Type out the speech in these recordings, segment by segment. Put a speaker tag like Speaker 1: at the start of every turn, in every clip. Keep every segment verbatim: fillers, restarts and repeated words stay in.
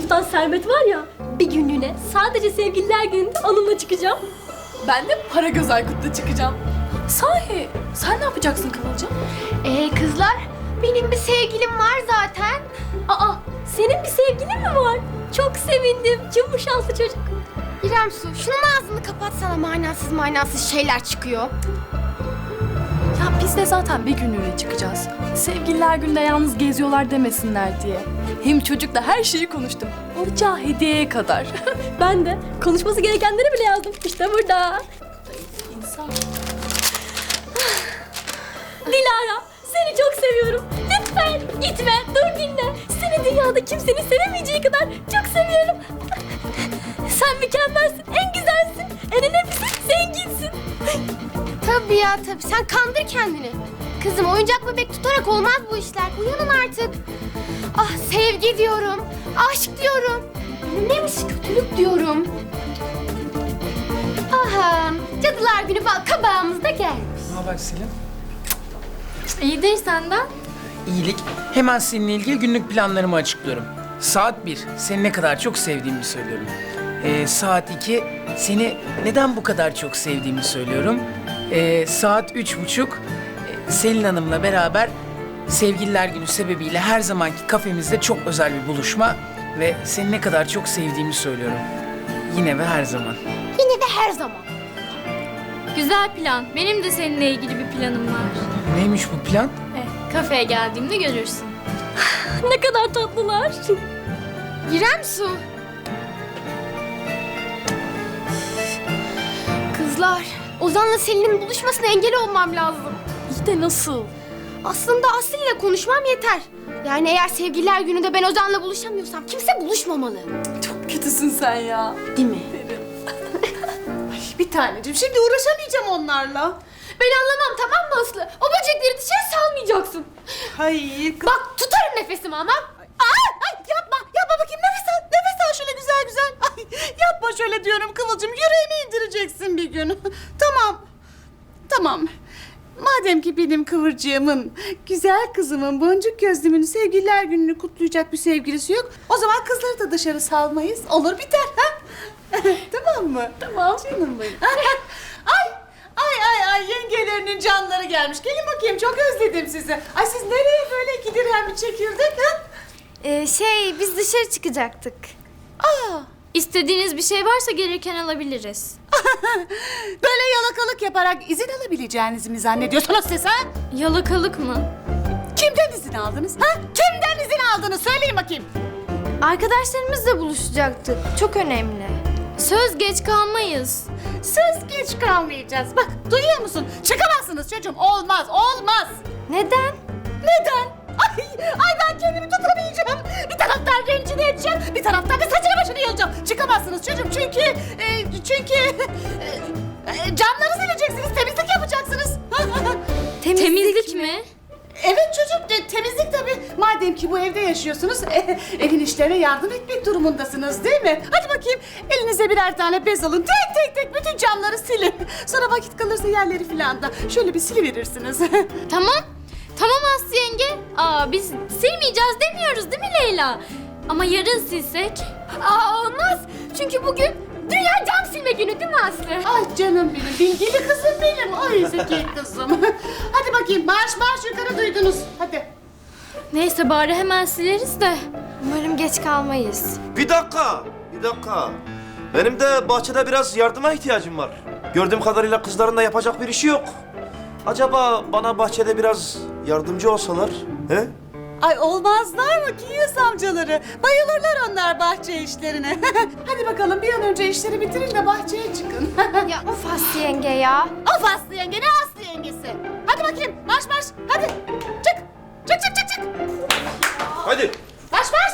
Speaker 1: tutan Sermet var ya, bir günlüğüne sadece sevgililer gününde onunla çıkacağım.
Speaker 2: Ben de Paragöz Aykut'la çıkacağım. Sahi sen ne yapacaksın Kıvılcım?
Speaker 3: Ee kızlar, benim bir sevgilim var zaten.
Speaker 1: Aa, senin bir sevgilin mi var? Çok sevindim. Çok bu şanslı çocuk.
Speaker 3: İrem Su, şunun ağzını kapatsana, manasız manasız şeyler çıkıyor.
Speaker 2: Ya biz de zaten bir günlüğüne çıkacağız. Sevgililer günde yalnız geziyorlar demesinler diye. Hem çocukla her şeyi konuştum. Alacağı hediyeye kadar.
Speaker 1: Ben de konuşması gerekenleri bile yazdım. İşte burada.
Speaker 2: İnsan.
Speaker 1: Dilara, seni çok seviyorum. Lütfen gitme, dur dinle. Seni dünyada kimsenin sevemeyeceği kadar çok seviyorum. Sen mükemmelsin, en güzelsin, en önemlisi zenginsin.
Speaker 3: Tabii ya tabii, sen kandır kendini. Kızım, oyuncak bebek tutarak olmaz bu işler. Uyanın artık. Ah, sevgi diyorum, aşk diyorum. Neymiş kötülük diyorum. Aha, Cadılar Günü bal kabağımız da gelmiş.
Speaker 4: Ne haber Selim?
Speaker 3: İyidir senden.
Speaker 4: İyilik. Hemen seninle ilgili günlük planlarımı açıklıyorum. Saat bir, seni ne kadar çok sevdiğimi söylüyorum. Ee, saat iki, seni neden bu kadar çok sevdiğimi söylüyorum. Ee, saat üç buçuk, e, Selin Hanım'la beraber Sevgililer Günü sebebiyle her zamanki kafemizde çok özel bir buluşma ve seni ne kadar çok sevdiğimi söylüyorum. Yine ve her zaman.
Speaker 3: Yine de her zaman.
Speaker 5: Güzel plan. Benim de seninle ilgili bir planım var.
Speaker 4: Neymiş bu plan?
Speaker 5: Eh, kafeye geldiğimde görürsün.
Speaker 1: Ne kadar tatlılar.
Speaker 3: İrem Su. Kızlar, Ozan'la Selin'in buluşmasına engel olmam lazım.
Speaker 2: İyi de nasıl?
Speaker 3: Aslında Aslı ile konuşmam yeter. Yani eğer sevgililer gününde ben Ozan'la buluşamıyorsam kimse buluşmamalı.
Speaker 2: Çok kötüsün sen ya.
Speaker 3: Değil mi?
Speaker 6: Bir taneciğim, şimdi uğraşamayacağım onlarla.
Speaker 3: Ben anlamam, tamam mı Aslı? O böcekleri dışarı salmayacaksın.
Speaker 6: Hayır. kız-
Speaker 3: Bak, tutarım nefesimi ama.
Speaker 6: Ay, ay yapma, yapma bakayım, nefes al, nefes al şöyle güzel güzel. Ay, yapma şöyle diyorum Kıvılcım, yüreğimi indireceksin bir gün. Tamam, tamam. Madem ki benim Kıvırcığımın, güzel kızımın, boncuk gözlümün sevgililer gününü kutlayacak bir sevgilisi yok, o zaman kızları da dışarı salmayız. Olur biter ha? Tamam mı? Tamam. Canım benim. Ay, ay, ay, ay, yengelerinin canları gelmiş. Gelin bakayım, çok özledim sizi. Ay siz nereye böyle iki dirhem bir çekirdek ha?
Speaker 3: Ee, şey, biz dışarı çıkacaktık.
Speaker 6: Aa,
Speaker 5: İstediğiniz bir şey varsa gereken alabiliriz.
Speaker 6: böyle yalakalık yaparak izin alabileceğinizi mi zannediyorsunuz siz ha?
Speaker 5: Yalakalık mı?
Speaker 6: Kimden izin aldınız ha? Kimden izin aldınız? Söyleyin bakayım.
Speaker 3: Arkadaşlarımızla buluşacaktık. Çok önemli.
Speaker 5: Söz geç kalmayız.
Speaker 6: Söz geç kalmayacağız. Bak, duyuyor musun? Çıkamazsınız çocuğum. Olmaz, olmaz.
Speaker 3: Neden?
Speaker 6: Neden? Ay, ay ben kendimi tutamayacağım. Bir taraftan rencide edeceğim, bir taraftan da saçını başını yolacağım. Çıkamazsınız çocuğum çünkü, e, çünkü e, e, camları sileceksiniz, temizlik yapacaksınız.
Speaker 3: Temizlik,
Speaker 5: Temizlik mi?
Speaker 6: Evet çocuğum, te- temizlik tabii. Madem ki bu evde yaşıyorsunuz, e, evin işlerine yardım etmek durumundasınız değil mi? Hadi bakayım, elinize birer tane bez alın. Tek tek tek bütün camları silin. Sonra vakit kalırsa yerleri filan da şöyle bir siliverirsiniz.
Speaker 5: Tamam. Tamam Aslı yenge. Aa, biz silmeyeceğiz demiyoruz değil mi Leyla? Ama yarın silsek?
Speaker 3: Aa, olmaz. Çünkü bugün Dünya Cam Silme Günü değil mi Aslı?
Speaker 6: Ay canım benim, bilgili kızım benim. Ay zeki kızım. Hadi bakayım, marş marş yukarı duydunuz. Hadi.
Speaker 5: Neyse bari hemen sileriz de.
Speaker 3: Umarım geç kalmayız.
Speaker 7: Bir dakika, bir dakika. Benim de bahçede biraz yardıma ihtiyacım var. Gördüğüm kadarıyla kızların da yapacak bir işi yok. Acaba bana bahçede biraz yardımcı olsalar, he?
Speaker 6: Ay olmazlar mı Kinyas amcaları? Bayılırlar onlar bahçe işlerine. Hadi bakalım bir an önce işleri bitirin de bahçeye çıkın.
Speaker 3: Ya of Aslı yenge ya.
Speaker 6: Of Aslı yenge, ne Aslı yengesi? Hadi bakayım, marş marş, hadi. Çık, çık çık çık çık.
Speaker 7: Hadi.
Speaker 6: Marş marş.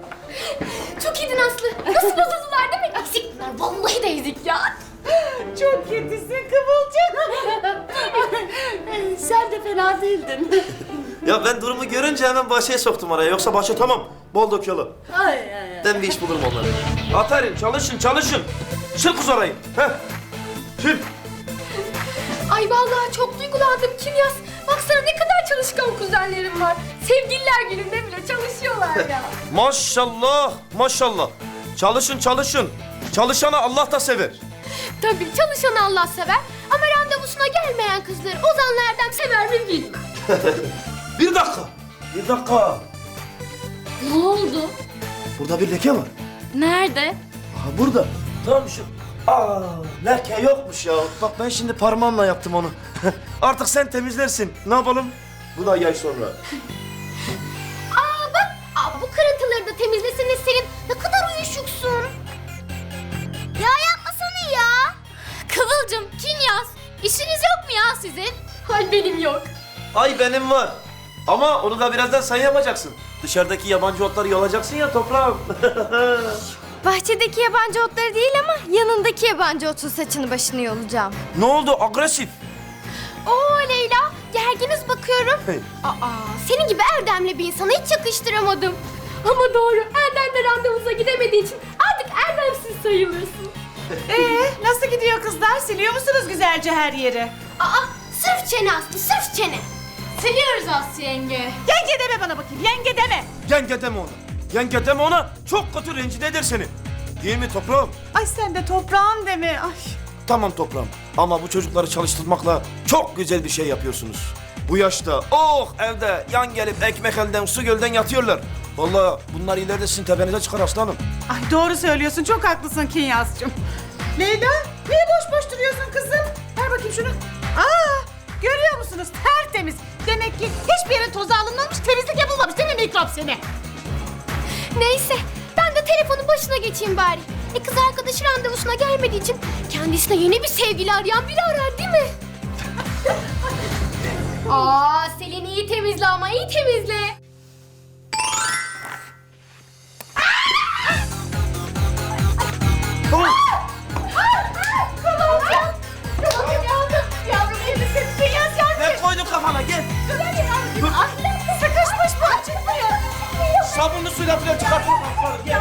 Speaker 3: Çok iyiydin Aslı. Nasıl bozuldular değil mi? Ezik bunlar. Vallahi de ezik ya.
Speaker 6: Çok kötüsün Kıvılcım. Ay, sen de fena değildin.
Speaker 7: Ya ben durumu görünce hemen bahçeye soktum araya. Yoksa bahçe tamam, bol döküyorlar.
Speaker 6: Ay ay ay.
Speaker 7: Ben bir iş bulurum onlara. Aferin, çalışın, çalışın. Sil kuz orayı, he? Sil.
Speaker 3: Ay vallahi çok duygulandım Kinyas. Baksana ne kadar çalışkan kuzenlerim var. Sevgililer gününde bile çalışıyorlar ya.
Speaker 7: Maşallah, maşallah. Çalışın, çalışın. Çalışanı Allah da sever.
Speaker 3: Tabii çalışanı Allah sever ama randevusuna gelmeyen kızları Ozan'la Erdem sever mi bilmem.
Speaker 7: Bir dakika, bir dakika.
Speaker 5: Ne oldu?
Speaker 7: Burada bir leke var.
Speaker 5: Nerede?
Speaker 7: Aha burada. Tam şu. Aa, leke yokmuş ya. Bak ben şimdi parmağımla yaptım onu. Artık sen temizlersin. Ne yapalım? Bu da yay sonra.
Speaker 3: Aa bak, aa, bu kırıntıları da temizlesene Selin. Ne kadar uyuşuksun. Ya yapmasana ya.
Speaker 5: Kıvılcım, Kinyas. İşiniz yok mu ya sizin?
Speaker 3: Ay benim yok.
Speaker 7: Ay benim var. Ama onu da birazdan sen yapacaksın. Dışarıdaki yabancı otları yolacaksın ya toprağım.
Speaker 3: Bahçedeki yabancı otları değil ama yanındaki yabancı otun saçını başını yolacağım.
Speaker 7: Ne oldu? Agresif.
Speaker 3: Oo Leyla, gerginiz bakıyorum.
Speaker 7: Hey.
Speaker 3: Aa, senin gibi erdemli bir insana hiç yakıştıramadım. Ama doğru, Erdem de randevuza gidemediği için artık erdemsiz sayılırsın.
Speaker 6: Ee, nasıl gidiyor kızlar? Siliyor musunuz güzelce her yeri?
Speaker 3: Aa, sırf çene Aslı, sırf çene.
Speaker 5: Siliyoruz Aslı yenge.
Speaker 6: Yenge deme bana bakayım, yenge deme.
Speaker 7: Yenge deme ona. Yenge deme ona. Çok kötü rencide eder seni. Değil mi toprağım?
Speaker 6: Ay sen de toprağım deme. Ay.
Speaker 7: Tamam toprağım. Ama bu çocukları çalıştırmakla çok güzel bir şey yapıyorsunuz. Bu yaşta oh evde yan gelip ekmek elden su gölden yatıyorlar. Vallahi bunlar ileride sizin tepenize çıkar aslanım.
Speaker 6: Ay doğru söylüyorsun, çok haklısın Kinyas'cığım. Leyla, niye boş boş duruyorsun kızım? Ver bakayım şunu. Aa, görüyor musunuz? Tertemiz. Demek ki hiçbir yerin tozu alınmamış, temizlik yapılmamış değil mi mikrop seni?
Speaker 3: Neyse, ben de telefonun başına geçeyim bari. E kız arkadaşı randevusuna gelmediği için kendisine yeni bir sevgili arayan biri arar değil mi? Aa, Selin iyi temizle ama iyi temizle.
Speaker 7: Ne koydun kafana gel.
Speaker 3: Sıkışmış bu, çıkmıyor.
Speaker 7: Sabunlu suyla falan çıkartın. Gel.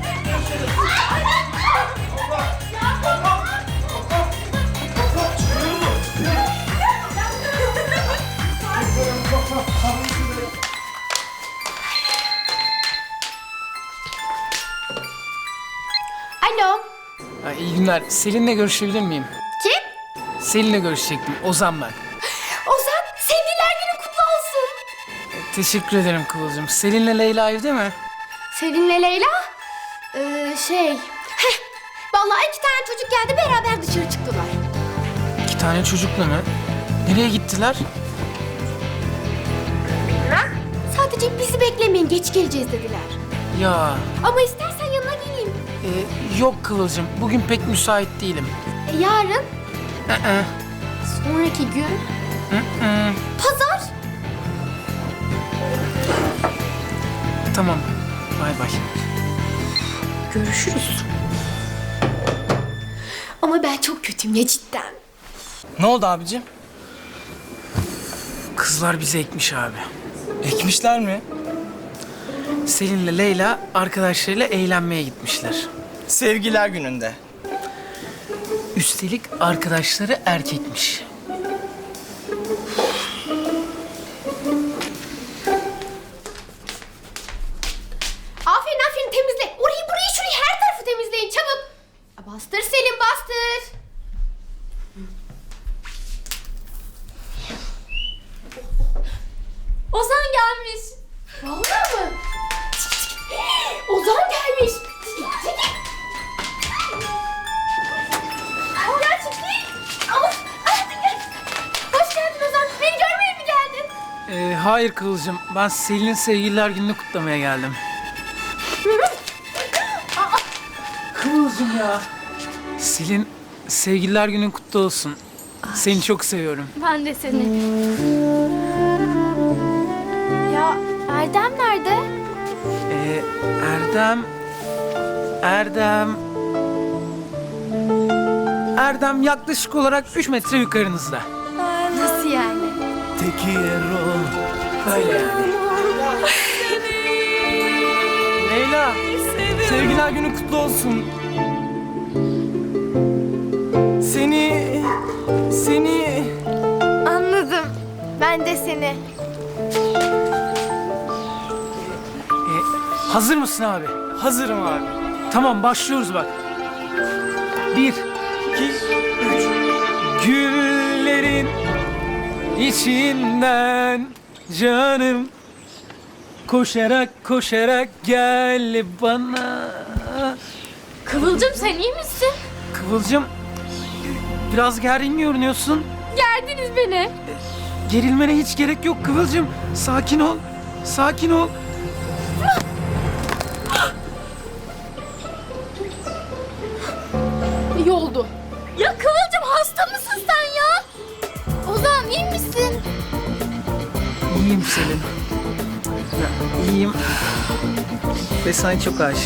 Speaker 3: Alo,
Speaker 4: Ha, iyi günler. Selin'le görüşebilir miyim?
Speaker 3: kim?
Speaker 4: Selin'le görüşecektim. Ozan ben.
Speaker 3: Ozan, sevgililer günü kutlu olsun.
Speaker 4: Teşekkür ederim Kıvılcım. Selin'le Leyla evde mi?
Speaker 3: Selin'le Leyla? Ee, şey... Heh, vallahi iki tane çocuk geldi, beraber dışarı çıktılar.
Speaker 4: İki tane çocukla mı? Nereye gittiler?
Speaker 3: Sadece bizi beklemeyin, geç geleceğiz dediler.
Speaker 4: Ya
Speaker 3: Ama istersen yanına geleyim.
Speaker 4: e, yok Kıvılcım. Bugün pek müsait değilim.
Speaker 3: E, yarın,
Speaker 4: Ee,
Speaker 3: sonraki gün,
Speaker 4: ee.
Speaker 3: pazar.
Speaker 4: Tamam. Bay bay.
Speaker 3: Görüşürüz. Ama ben çok kötüyüm ya cidden.
Speaker 8: Ne oldu abicim?
Speaker 4: Kızlar bizi ekmiş abi.
Speaker 8: Ekmişler mi?
Speaker 4: Selin'le Leyla arkadaşlarıyla eğlenmeye gitmişler.
Speaker 8: Sevgiler gününde.
Speaker 4: Üstelik arkadaşları erkekmiş.
Speaker 3: Aferin aferin temizle. Orayı burayı şurayı her tarafı temizleyin çabuk. Bastır Selim bastır.
Speaker 5: Ozan gelmiş.
Speaker 3: Vallahi mı? Ozan gelmiş. Gerçekten. Ama... Hoş geldin Ozan. Beni görmeye mi geldin?
Speaker 4: Ee, hayır Kıvılcım. Ben Selin'in sevgililer gününü kutlamaya geldim. Kıvılcım ya. Selin, sevgililer günün kutlu olsun. Seni çok seviyorum.
Speaker 5: Ben de seni.
Speaker 3: Ya Erdem nerede?
Speaker 4: Ee, Erdem... Erdem... Erdem yaklaşık olarak üç metre yukarınızda.
Speaker 3: Nasıl yani?
Speaker 7: Tekiro.
Speaker 4: Öyle yani.
Speaker 8: Leyla, sevgiler günü kutlu olsun. Seni, seni...
Speaker 3: Anladım. Ben Ben de seni.
Speaker 4: E, hazır mısın abi?
Speaker 8: Hazırım abi.
Speaker 4: Tamam başlıyoruz bak. Bir, iki, üç. Güllerin içinden canım koşarak koşarak gel bana.
Speaker 5: Kıvılcım sen iyi misin?
Speaker 4: Kıvılcım biraz gergin görünüyorsun.
Speaker 5: Gerdiniz beni.
Speaker 4: Gerilmene hiç gerek yok Kıvılcım. Sakin ol. Sakin ol.
Speaker 2: İyi oldu.
Speaker 5: Ya Kıvılcım hasta mısın sen ya? Ozan iyi misin?
Speaker 4: İyiyim Selin. Ya, iyiyim. Ve sana çok aşığım.